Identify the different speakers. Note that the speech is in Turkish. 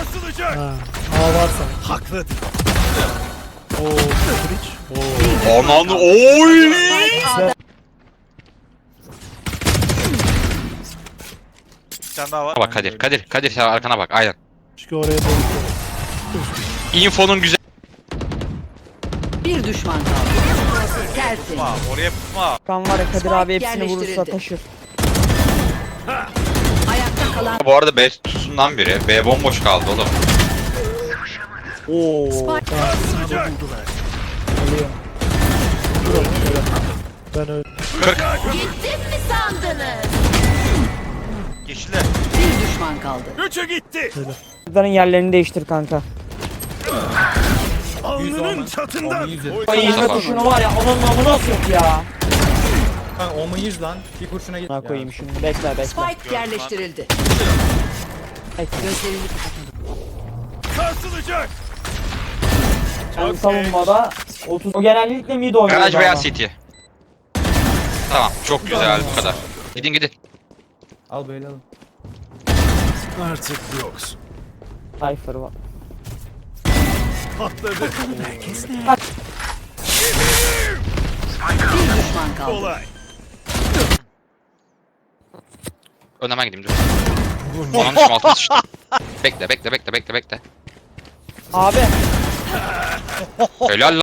Speaker 1: Sarsılacak.
Speaker 2: Ha. A varsa.
Speaker 1: Haklıdır.
Speaker 2: Oo, Twitch. Oo.
Speaker 3: Ananı oy.
Speaker 4: Bir tane daha var.
Speaker 3: Bak Kadir sen arkana bak aynen.
Speaker 2: Çünkü oraya doğru.
Speaker 3: Info'nun güzel.
Speaker 5: Bir düşman kaldı. Tertemiz.
Speaker 4: Tutma, oraya tutma.
Speaker 6: Kan var ya Kadir abi
Speaker 5: Spike
Speaker 6: hepsini vurursa
Speaker 5: yerleştirildi.
Speaker 6: taşır.
Speaker 5: Ayakta kalan
Speaker 3: Bu arada B tutusundan biri. B bomboş kaldı oğlum.
Speaker 6: Oo.
Speaker 1: Sarsılacak.
Speaker 6: Geliyor.
Speaker 2: Ben öyle.
Speaker 4: Yeşile.
Speaker 5: bir düşman kaldı.
Speaker 1: Üçü gitti.
Speaker 6: Bunların yerlerini değiştir kanka.
Speaker 1: Alnının çatından.
Speaker 6: Ay yine kurşunu var ya onun namı nasıl yok ya.
Speaker 7: Kanka 10'u 100 lan. Bir kurşuna git.
Speaker 6: Ne koyayım şimdi bekle bekle.
Speaker 5: Spike yerleştirildi. Gözlerini kapatın.
Speaker 1: Sarsılacak.
Speaker 6: Ben savunmada 30. O genellikle mid oynuyor.
Speaker 3: Garaj veya
Speaker 6: ama.
Speaker 3: City. Tamam çok güzel bu kadar. Gidin.
Speaker 7: Al böyle al.
Speaker 1: Artık yoksun.
Speaker 6: Cypher var.
Speaker 1: Patladı.
Speaker 5: Bir düşman kaldı.
Speaker 1: Kolay.
Speaker 3: Önden ben gideyim dur. Onun için altına sıçtı. Bekle.
Speaker 6: Abi
Speaker 3: Helal lan.